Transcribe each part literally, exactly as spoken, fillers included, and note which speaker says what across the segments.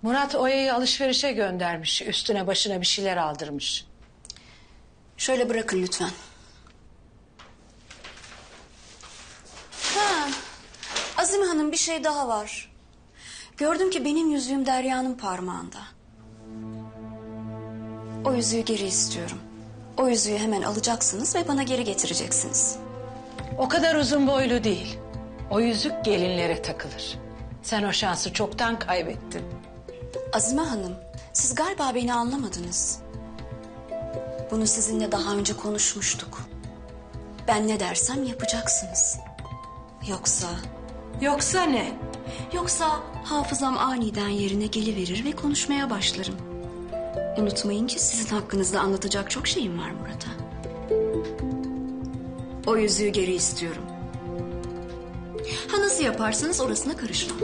Speaker 1: Murat Oya'yı alışverişe göndermiş. Üstüne başına bir şeyler aldırmış.
Speaker 2: Şöyle bırakın lütfen. Ha, Azime Hanım bir şey daha var. Gördüm ki benim yüzüğüm Derya'nın parmağında. O yüzüğü geri istiyorum. O yüzüğü hemen alacaksınız ve bana geri getireceksiniz.
Speaker 1: O kadar uzun boylu değil. O yüzük gelinlere takılır. Sen o şansı çoktan kaybettin.
Speaker 2: Azime Hanım, siz galiba beni anlamadınız. Bunu sizinle daha önce konuşmuştuk. Ben ne dersem yapacaksınız. Yoksa...
Speaker 1: Yoksa ne?
Speaker 2: Yoksa hafızam aniden yerine geliverir ve konuşmaya başlarım. Unutmayın ki sizin hakkınızda anlatacak çok şeyim var Murat'a. O yüzüğü geri istiyorum. Ha nasıl yaparsanız orasına karışmam.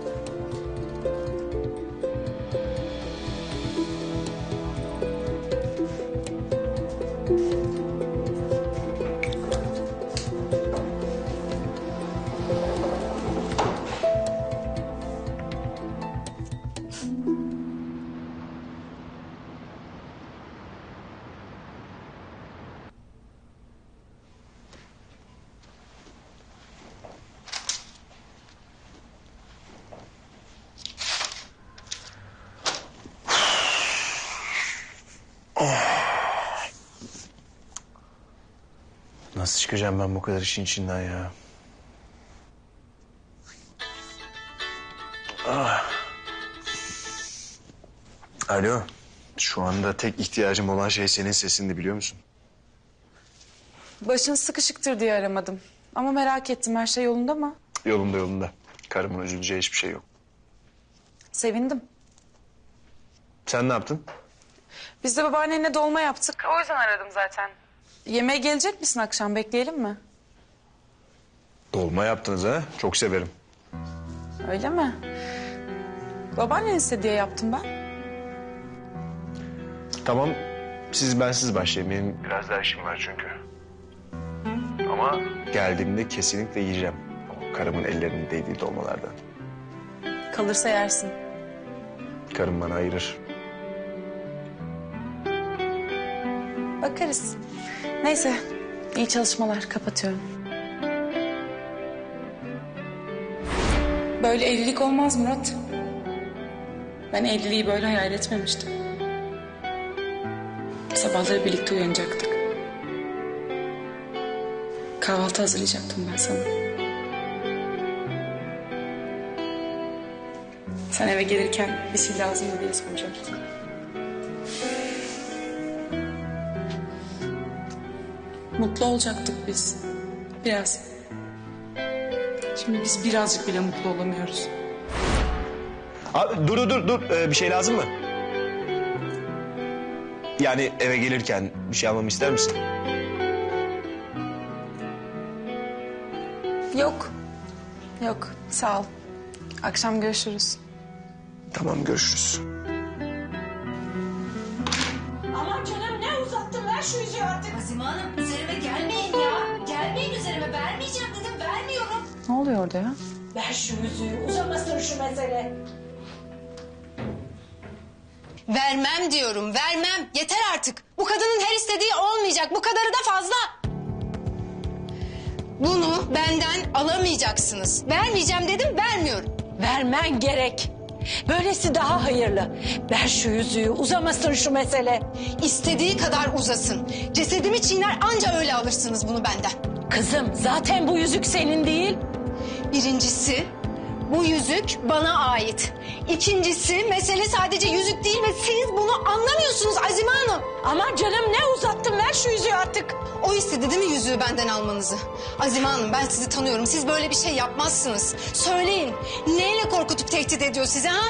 Speaker 3: Nasıl çıkacağım ben bu kadar işin içinden ya? Ah. Alo. Şu anda tek ihtiyacım olan şey senin sesindi, biliyor musun?
Speaker 4: Başın sıkışıktır diye aramadım. Ama merak ettim, her şey yolunda mı?
Speaker 3: Yolunda yolunda. Karımın üzüleceği hiçbir şey yok.
Speaker 4: Sevindim.
Speaker 3: Sen ne yaptın?
Speaker 4: Biz de babaannenle dolma yaptık. O yüzden aradım zaten. Yemeğe gelecek misin akşam? Bekleyelim mi?
Speaker 3: Dolma yaptınız ha? Çok severim.
Speaker 4: Öyle mi? Babaannen istedi diye yaptım ben.
Speaker 3: Tamam, siz bensiz başlayın. Benim biraz daha işim var çünkü. Ama geldiğimde kesinlikle yiyeceğim. O karımın ellerinin değdiği dolmalardan.
Speaker 4: Kalırsa yersin.
Speaker 3: Karım bana ayırır.
Speaker 4: Bakarız. Neyse, iyi çalışmalar. Kapatıyorum. Böyle evlilik olmaz Murat. Ben evliliği böyle hayal etmemiştim. Sabahları birlikte uyanacaktık. Kahvaltı hazırlayacaktım ben sana. Sen eve gelirken bir şey lazım mı diye soracaktım. Mutlu olacaktık biz. Biraz. Şimdi biz birazcık bile mutlu olamıyoruz.
Speaker 3: Abi, dur dur dur. Ee, bir şey lazım mı? Yani eve gelirken bir şey almamı ister misin?
Speaker 4: Yok. Yok, sağ ol. Akşam görüşürüz.
Speaker 3: Tamam, görüşürüz.
Speaker 5: Aman canım ne uzattın, ver şu yüzüğü artık.
Speaker 6: Azime Hanım üzerime gelmeyin ya. Gelmeyin üzerime, vermeyeceğim dedim, vermiyorum.
Speaker 4: Ne oluyor orada ya?
Speaker 5: Ver şu yüzüğü, uzamasın şu mesele.
Speaker 6: Vermem diyorum, vermem. Yeter artık. Bu kadının her istediği olmayacak. Bu kadarı da fazla. Bunu benden alamayacaksınız. Vermeyeceğim dedim, vermiyorum.
Speaker 1: Vermen gerek. Böylesi daha hayırlı. Ver şu yüzüğü, uzamasın şu mesele.
Speaker 6: İstediği kadar uzasın. Cesedimi çiğner, anca öyle alırsınız bunu benden.
Speaker 1: Kızım, zaten bu yüzük senin değil.
Speaker 6: Birincisi, bu yüzük bana ait. İkincisi, mesele sadece yüzük değil ve siz bunu anlamıyorsunuz Azime Hanım.
Speaker 1: Aman canım, ne uzattın, ver şu yüzüğü artık.
Speaker 6: O istedi değil mi yüzüğü benden almanızı? Azime Hanım, ben sizi tanıyorum. Siz böyle bir şey yapmazsınız. Söyleyin, neyle korkutup tehdit ediyor sizi ha?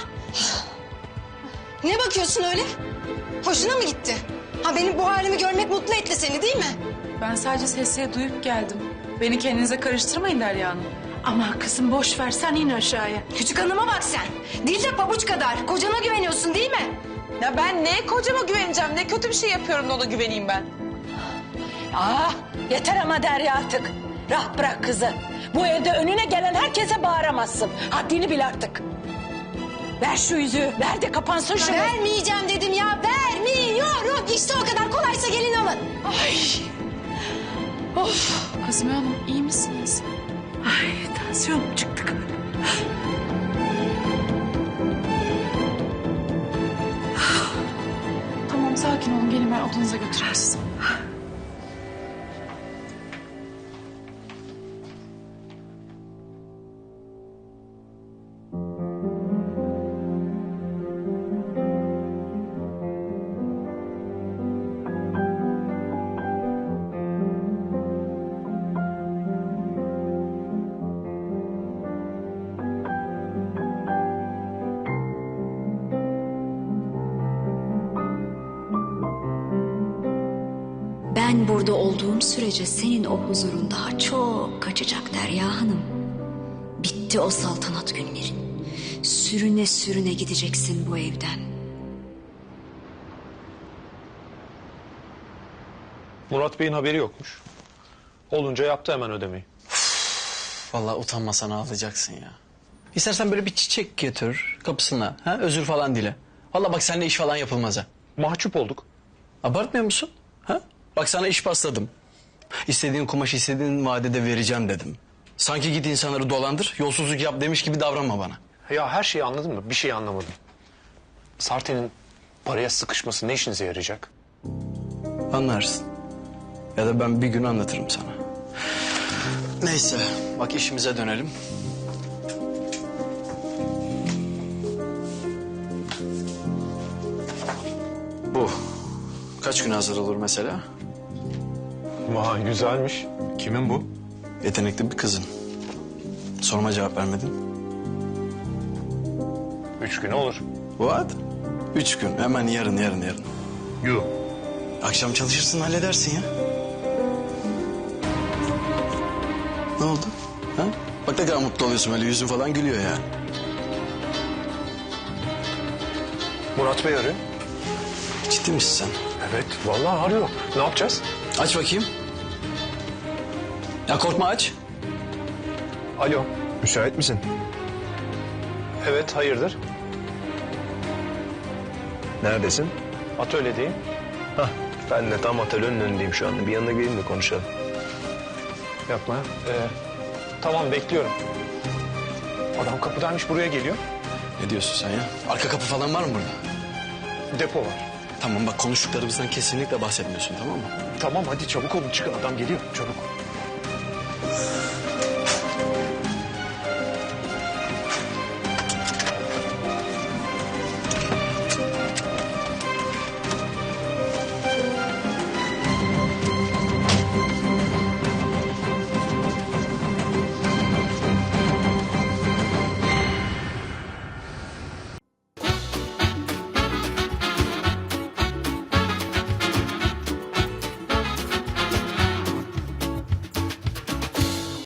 Speaker 6: Ne bakıyorsun öyle? Hoşuna mı gitti? Ha, benim bu halimi görmek mutlu etti seni değil mi?
Speaker 4: Ben sadece sesleri duyup geldim. Beni kendinize karıştırmayın Derya Hanım.
Speaker 1: Aman kızım, boş ver, sen in aşağıya.
Speaker 6: Küçük hanıma bak sen. Dil de pabuç kadar. Kocana güveniyorsun değil mi?
Speaker 4: Ya ben ne kocama güveneceğim, ne kötü bir şey yapıyorum da ona güveneyim ben.
Speaker 1: Aa, yeter ama Derya artık. Rahat bırak kızı. Bu evde önüne gelen herkese bağıramazsın. Haddini bil artık. Ver şu yüzüğü. Ver de kapansın şunu.
Speaker 6: Vermeyeceğim dedim ya, vermiyorum. İşte o kadar kolaysa gelin alın.
Speaker 4: Azime Hanım iyi misiniz?
Speaker 1: Ay tansiyonum çıktı galiba.
Speaker 4: Tamam sakin olun. Gelin ben odanıza götüreyim sizi.
Speaker 2: Ben burada olduğum sürece senin o huzurun daha çok kaçacak Derya Hanım. Bitti o saltanat günlerin. Sürüne sürüne gideceksin bu evden.
Speaker 7: Murat Bey'in haberi yokmuş. Olunca yaptı hemen ödemeyi.
Speaker 8: Vallahi utanmasan ağlayacaksın ya. İstersen böyle bir çiçek getir kapısına. Ha? Özür falan dile. Vallahi bak seninle iş falan yapılmaz ha.
Speaker 7: Mahcup olduk.
Speaker 8: Abartmıyor musun? Ha? Bak sana iş pasladım. İstediğin kumaşı istediğin vadede vereceğim dedim. Sanki git insanları dolandır, yolsuzluk yap demiş gibi davranma bana.
Speaker 7: Ya her şeyi anladın mı? Bir şey anlamadım. Sarte'nin paraya sıkışması ne işinize yarayacak?
Speaker 8: Anlarsın. Ya da ben bir gün anlatırım sana. Neyse, bak işimize dönelim. Bu kaç gün hazır olur mesela?
Speaker 7: Vay güzelmiş. Kimin bu?
Speaker 8: Yetenekli bir kızın. Soruma cevap vermedin.
Speaker 7: Üç gün olur.
Speaker 8: What? Üç gün. Hemen yarın, yarın, yarın.
Speaker 7: Yuh.
Speaker 8: Akşam çalışırsın, halledersin ya. Ne oldu? Ha? Bak ne kadar mutlu oluyorsun, böyle yüzün falan gülüyor yani.
Speaker 7: Murat Bey arıyor.
Speaker 8: Ciddi misin sen?
Speaker 7: Evet vallahi arıyor. Ne yapacağız?
Speaker 8: Aç bakayım. Ya korkma, aç.
Speaker 7: Alo.
Speaker 3: Müsait misin?
Speaker 7: Evet hayırdır?
Speaker 3: Neredesin?
Speaker 7: Atölyedeyim.
Speaker 3: Hah, ben de tam atölyenin önündeyim şu anda. Bir yanına geleyim de konuşalım.
Speaker 7: Yapma. Ee, tamam bekliyorum. Adam kapıdaymış buraya geliyor.
Speaker 8: Ne diyorsun sen ya? Arka kapı falan var mı burada?
Speaker 7: Depo var.
Speaker 8: Tamam bak, konuştuklarımızdan kesinlikle bahsetmiyorsun, tamam mı?
Speaker 7: Tamam hadi çabuk olun çıkın adam geliyor çabuk.